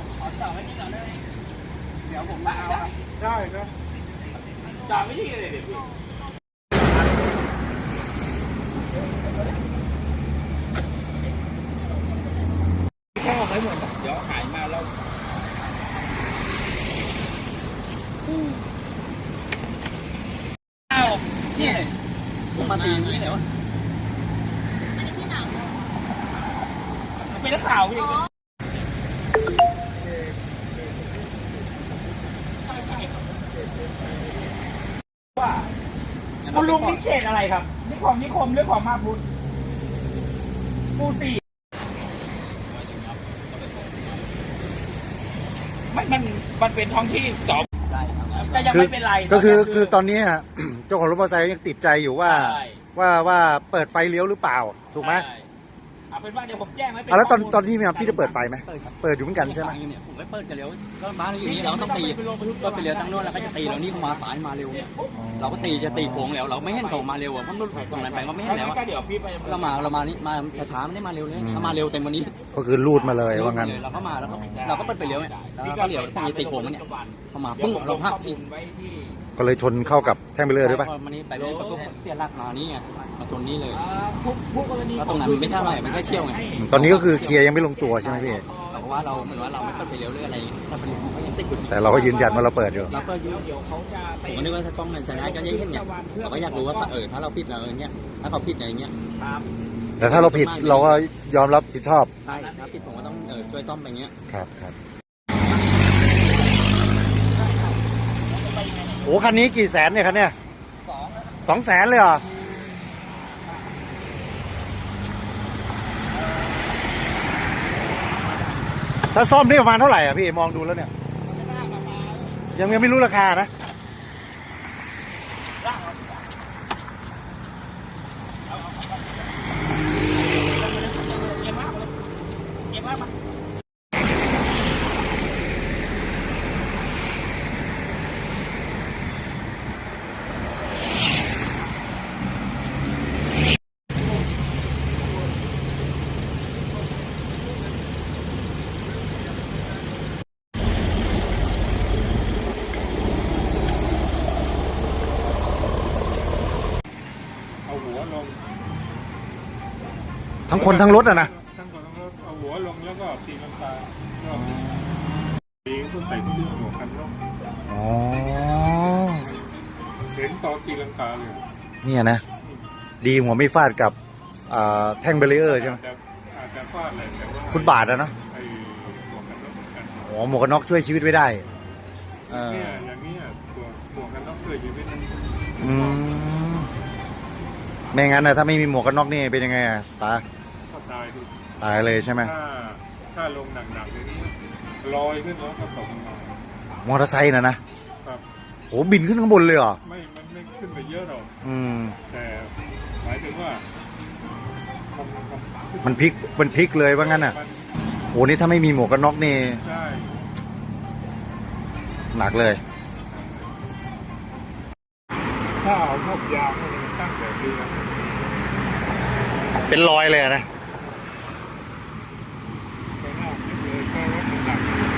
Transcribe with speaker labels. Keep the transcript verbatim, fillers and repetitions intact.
Speaker 1: ขอจอดไว้นี่ก่อนได้ไหมเดี๋ยวผมมาเอาครับ
Speaker 2: ได้ครับจอดไม่ที่เลยเดี๋ยวพี่แค่ออกไปหมดเดี๋ยวหายมาแล้วอ้าวนี่ผมมาตีอย่างนี้เลยวะเป็นนักข่าวพี่ว่าคุณลุงนี่เขตอะไรครับนิคมนิคมหรือของมาพุทธปูสี่ไม่มันมันเป็นท้องที่สอบแต่ยังไม่เป็นไร
Speaker 3: ก็คือคือตอนนี้เจ้าของรถมอเตอร์ไซค์ยังติดใจอยู่ว่าว่าว่าเปิดไฟเลี้ยวหรือเปล่าถูกไหม
Speaker 2: เอาเป็นว่าเดี๋ยวผมแจ้งไว้เป็น
Speaker 3: แล้วตอนตอนที่มีพี่จะเปิดไฟไหมเปิดอยู่เหมือนกันใช่ไหม
Speaker 1: ผมไม่เปิดกันเร็วก็บ้านเราอยู่นี่เราต้องตีก็ไปเร็วตั้งโน้นแล้วก็จะตีเรานี่มาสายมาเร็วเนี่ยเราก็ตีจะตีโค้งแล้วเราไม่เห็นเขามาเร็วอ่ะเพราะนู่นตรงไหนไปก็ไม่เห็นแล้วเรามาเรามานี่มาช้าๆไม่ได้มาเร็วเลยถ้ามาเร็วเต็มวันนี้
Speaker 3: ก็คือรูดมาเลยว่างั้น
Speaker 1: เราก็มาแล้วเราก็เปิดไปเร็วเนี่ยเราก็เร็วตีโค้งเนี่ยพอมาปึ้งเราพักพี่
Speaker 3: ก็เลยชนเข้ากับแท่งเบรเลอร์ด้วยป่ะ
Speaker 1: มันนี้ไปเลยประกบเสียหลักมานี่ไงมาชนนี้เลยแล้วตรงนั้นมันไม่ใช่อะไรมันแค่เชี่ยวไง
Speaker 3: ตอนนี้ก็คือเคลียร์ยังไม่ลงตัวใช่ไหมพี่
Speaker 1: เราว่าเราเหมือนว่าเราไม่เปิดไปเร็วหรืออะไรถ้าเป็นเขายังติดอยู่
Speaker 3: แต่เราก็ยืนยันว่าเราเปิดอยู่
Speaker 1: เราเปิดอยู่ผมก็นึกว่าถ้ากล้องมันใช้ได้ก็ยังเห็นเนี่ยเราก็อยากรู้ว่าเออถ้าเราผิดเราอย่างเงี้ยถ้าเขาผิดอะไรเงี้ย
Speaker 3: แต่ถ้าเราผิดเราก็ยอมรับผิดชอบ
Speaker 1: ใช่ถ้าผิดผมก็ต้องเออช่วยต้อมไปเงี้ย
Speaker 3: ครับครับโอ้คันนี้กี่แสนเนี่ยคันเนี้ยสองแสนเลยเหรอถ้าซ่อมนี่ประมาณเท่าไหร่อ่ะพี่มองดูแล้วเนี่ยยังยังไม่รู้ราคานะทั้งคนทั้งรถอะนะ
Speaker 2: ทั้งคนทั้งรถเอาหัวลงแล้วก็ตีลังการอบตีก็ใส่เครื่องหัวกันน็อก
Speaker 3: อ๋อ
Speaker 2: เห็นตอนตีลังกาเลย
Speaker 3: เนี่ยนะดีหัวไม่ฟาดกับแท่งเบรเลอร์ใช่ไหม
Speaker 2: อาจจะฟาดอะไรแต่ว่า
Speaker 3: ฟุตบาทอะเนาะอ๋อหมวกกันน็อกช่วยชีวิตไว้ได้
Speaker 2: เนี่ยอย่างนี้ตัวหมวกกันน็อกช่วยชีวิต
Speaker 3: อืมไม่งั้นนะถ้าไม่มีหมวกกันน็อกนี่เป็นยังไงอ่ะตา
Speaker 2: ตาย
Speaker 3: ตายเลยใช่ไหม
Speaker 2: ถ้าถ้าลงหนักๆอย่างนี้ลอยขึ้นแล้วก็ตกม
Speaker 3: ามอเตอร์ไซค์นะนะครับโอ้บินขึ้นข้างบนเลยเหรอ
Speaker 2: ไม่มันไม่ขึ้นไปเยอะหรอก
Speaker 3: อืม
Speaker 2: แต่หมายถึงว่า
Speaker 3: มันพลิกมันพลิกเลยว่างั้นอ่ะโอ้นี่ถ้าไม่มีหมวกกันน็อกนี่
Speaker 2: ใช่
Speaker 3: หนักเลย
Speaker 2: ถ้าเอาพวกยางมันตั้งแบบนี้
Speaker 3: เป็นรอยเลยนะ
Speaker 2: ไปหน้าคิดเลยก็ว่ามันหนัก